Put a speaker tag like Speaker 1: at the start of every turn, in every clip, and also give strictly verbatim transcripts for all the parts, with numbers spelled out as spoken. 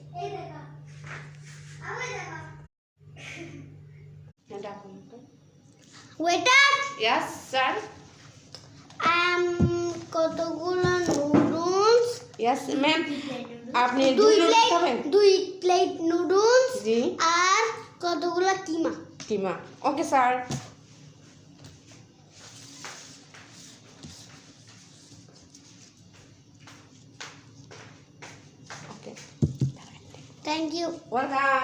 Speaker 1: Waiter
Speaker 2: yes sir
Speaker 1: আম কতগুলো noodles
Speaker 2: yes ma'am আপনি
Speaker 1: দুই
Speaker 2: নুডলস
Speaker 1: প্লেট
Speaker 2: খাবেন
Speaker 1: দুই প্লেট নুডলস
Speaker 2: জি
Speaker 1: আর কতগুলো keema
Speaker 2: keema okay sir okay
Speaker 1: thank you
Speaker 2: welcome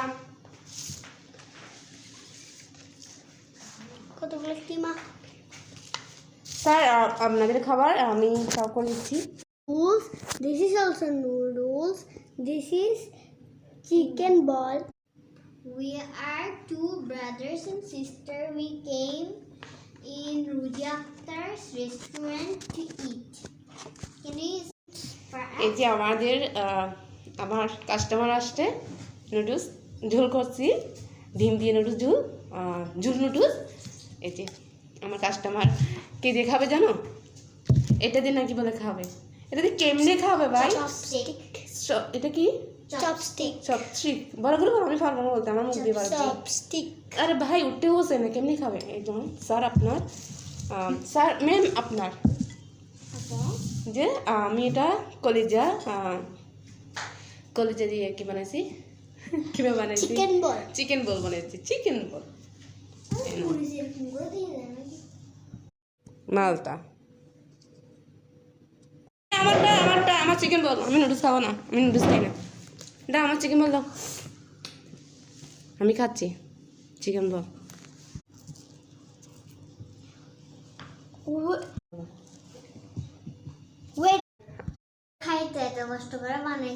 Speaker 1: কতগুলো কিমা
Speaker 2: স্যার আপনাদের খাবার আমি সার্ভ করে দিচ্ছি
Speaker 1: noodles. This is also noodles. This is chicken ball. We are two brothers and sister. We came in Rudy Akhtar's restaurant to eat. Can you for
Speaker 2: এই
Speaker 1: us?
Speaker 2: যে আমাদের আহ, আমার কাস্টমার আসছে নুডলস ঝোল করছি ডিম দিয়ে নুডলস ঝোল আহ, ঝোল নুডলস এই যে আমার কাস্টমার কে দিয়ে খাবে জানো এটা দিয়ে নাকি বলে খাবে এটা দিয়ে কেমনে খাবে ভাই
Speaker 1: Chopstick.
Speaker 2: স- এটা কি
Speaker 1: Chopstick.
Speaker 2: চপস্টিক বড় করে বলো, আমি পারবো না বলতে আমার মুখ দিয়ে পারবো
Speaker 1: Chopstick.
Speaker 2: আরে ভাই উঠতে বসে না কেমনি খাবে এই যেমন স্যার আপনার আহ, স্যার ম্যাম আপনার
Speaker 1: Okay.
Speaker 2: যে আমি এটা কলিজা আহ, কলিজা দিয়ে কি বানাইছি কিভাবে বানাইছি
Speaker 1: Chicken ball.
Speaker 2: চিকেন বল বানাইছি চিকেন বল মালটা আমারটা আমারটা আমার চিকেন বল আমি নুডলস খাবো না আমি নুডলস খাই না দা আমার চিকেন বল দাও আমি খাচ্ছি চিকেন বল
Speaker 1: Wait. খাইতে এত কষ্ট করে বানাই